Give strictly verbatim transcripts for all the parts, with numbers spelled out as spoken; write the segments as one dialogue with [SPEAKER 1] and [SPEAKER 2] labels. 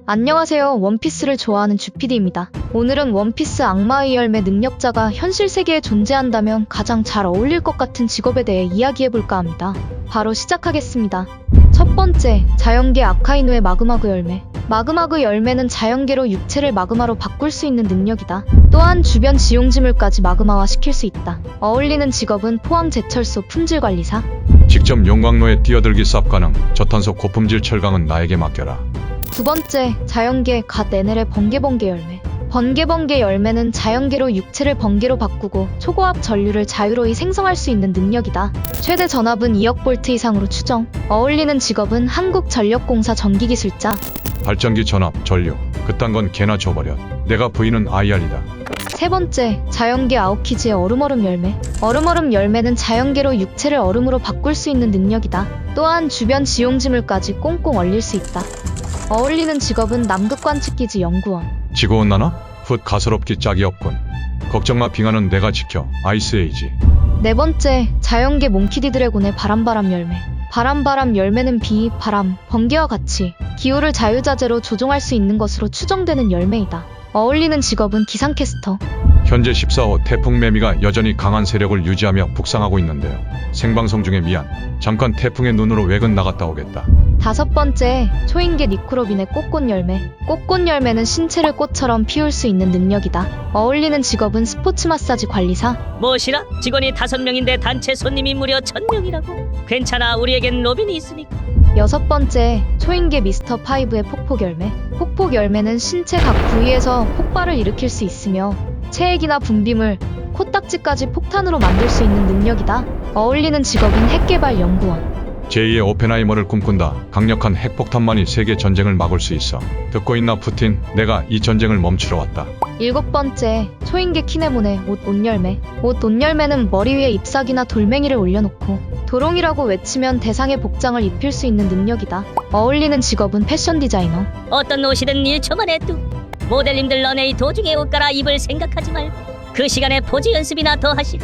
[SPEAKER 1] 안녕하세요. 원피스를 좋아하는 주피디입니다. 오늘은 원피스 악마의 열매 능력자가 현실 세계에 존재한다면 가장 잘 어울릴 것 같은 직업에 대해 이야기해볼까 합니다. 바로 시작하겠습니다. 첫 번째, 자연계 아카이누의 마그마그 열매. 마그마그 열매는 자연계로 육체를 마그마로 바꿀 수 있는 능력이다. 또한 주변 지용지물까지 마그마화 시킬 수 있다. 어울리는 직업은 포항제철소 품질관리사.
[SPEAKER 2] 직접 용광로에 뛰어들기 쌉 가능. 저탄소 고품질 철강은 나에게 맡겨라.
[SPEAKER 1] 두 번째, 자연계 갓 에넬의 번개번개 열매. 번개번개 열매는 자연계로 육체를 번개로 바꾸고 초고압 전류를 자유로이 생성할 수 있는 능력이다. 최대 전압은 이억 볼트 이상으로 추정. 어울리는 직업은 한국전력공사 전기기술자.
[SPEAKER 2] 발전기 전압, 전류. 그딴 건 개나 줘버려. 내가 부인은 아이알이다.
[SPEAKER 1] 세 번째, 자연계 아오키즈의 얼음얼음 열매. 얼음얼음 열매는 자연계로 육체를 얼음으로 바꿀 수 있는 능력이다. 또한 주변 지용지물까지 꽁꽁 얼릴 수 있다. 어울리는 직업은 남극관측기지 연구원.
[SPEAKER 2] 지구온난화? 훗 가소롭기 짝이 없군. 걱정마, 빙하는 내가 지켜. 아이스에이지.
[SPEAKER 1] 네 번째, 자연계 몽키디 드래곤의 바람바람 열매. 바람바람 열매는 비, 바람, 번개와 같이 기후를 자유자재로 조종할 수 있는 것으로 추정되는 열매이다. 어울리는 직업은 기상캐스터.
[SPEAKER 2] 현재 십사 호 태풍 매미가 여전히 강한 세력을 유지하며 북상하고 있는데요. 생방송 중에 미안. 잠깐 태풍의 눈으로 외근 나갔다 오겠다.
[SPEAKER 1] 다섯 번째, 초인계 니크로빈의 꽃꽃 열매. 꽃꽃 열매는 신체를 꽃처럼 피울 수 있는 능력이다. 어울리는 직업은 스포츠 마사지 관리사.
[SPEAKER 3] 무엇이라? 직원이 다섯 명인데 단체 손님이 무려 천 명이라고? 괜찮아, 우리에겐 로빈이 있으니까.
[SPEAKER 1] 여섯 번째, 초인계 미스터 파이브의 폭폭 열매. 폭폭 열매는 신체 각 부위에서 폭발을 일으킬 수 있으며 체액이나 분비물, 코딱지까지 폭탄으로 만들 수 있는 능력이다. 어울리는 직업은 핵개발 연구원.
[SPEAKER 2] 제이의 오펜하이머를 꿈꾼다. 강력한 핵폭탄만이 세계 전쟁을 막을 수 있어. 듣고 있나 푸틴? 내가 이 전쟁을 멈추러 왔다.
[SPEAKER 1] 일곱 번째, 초인계 키네몬의 옷 옷열매. 옷 옷열매는 머리 위에 잎사귀나 돌멩이를 올려놓고 도롱이라고 외치면 대상의 복장을 입힐 수 있는 능력이다. 어울리는 직업은 패션 디자이너.
[SPEAKER 3] 어떤 옷이든 일 초 만에 뚝. 모델님들 너네 이 도중에 옷 갈아입을 생각하지 말고 그 시간에 포즈 연습이나 더 하시고.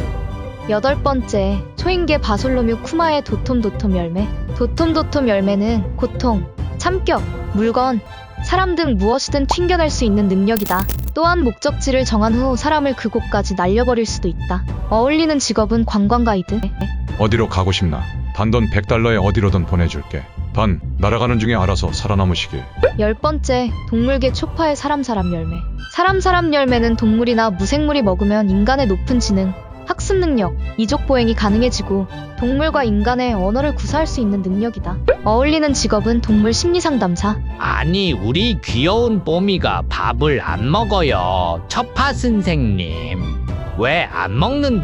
[SPEAKER 1] 여덟 번째, 초인계 바솔로뮤 쿠마의 도톰도톰 열매. 도톰도톰 열매는 고통, 참격, 물건, 사람 등 무엇이든 튕겨낼 수 있는 능력이다. 또한 목적지를 정한 후 사람을 그곳까지 날려버릴 수도 있다. 어울리는 직업은 관광 가이드.
[SPEAKER 2] 어디로 가고 싶나? 단돈 백 달러에 어디로든 보내줄게. 단, 날아가는 중에 알아서 살아남으시길.
[SPEAKER 1] 열 번째, 동물계 초파의 사람사람 열매. 사람사람 열매는 동물이나 무생물이 먹으면 인간의 높은 지능, 학습 능력, 이족 보행이 가능해지고 동물과 인간의 언어를 구사할 수 있는 능력이다. 어울리는 직업은 동물 심리상담사.
[SPEAKER 4] 아니, 우리 귀여운 뽀미가 밥을 안 먹어요. 처파 선생님, 왜 안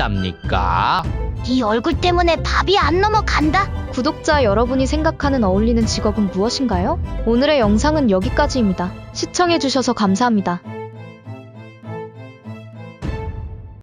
[SPEAKER 4] 먹는답니까?
[SPEAKER 5] 네 얼굴 때문에 밥이 안 넘어간다.
[SPEAKER 1] 구독자 여러분이 생각하는 어울리는 직업은 무엇인가요? 오늘의 영상은 여기까지입니다. 시청해주셔서 감사합니다.